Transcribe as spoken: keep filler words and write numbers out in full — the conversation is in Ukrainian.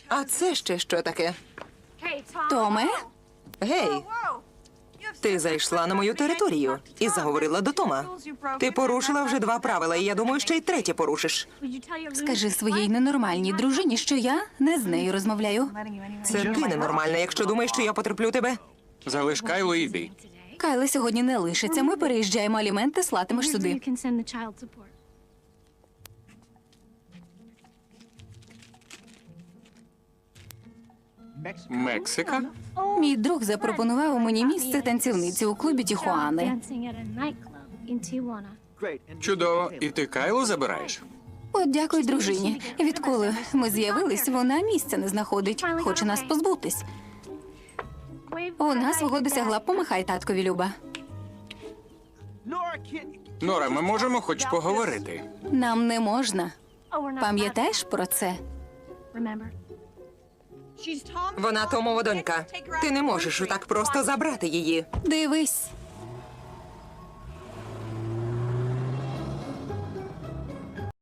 А це ще що таке? Томе? Гей, ти зайшла на мою територію і заговорила до Тома. Ти порушила вже два правила, і я думаю, ще й третє порушиш. Скажи своїй ненормальній дружині, що я не з нею розмовляю. Це ти ненормальна, якщо думаєш, що я потерплю тебе. Залиш Кайлу і йди. Кайла сьогодні не лишиться. Ми переїжджаємо, аліменти слатимеш сюди. Мексика? Мій друг запропонував мені місце танцівниці у клубі Тіхуани. Чудово. І ти Кайлу забираєш? От дякую дружині. Відколи ми з'явились, вона місця не знаходить. Хоче нас позбутись. Вона свого досягла. Помахай таткові, Люба. Нора, ми можемо хоч поговорити? Нам не можна. Пам'ятаєш про це? Вона Томова донька. Ти не можеш так просто забрати її. Дивись.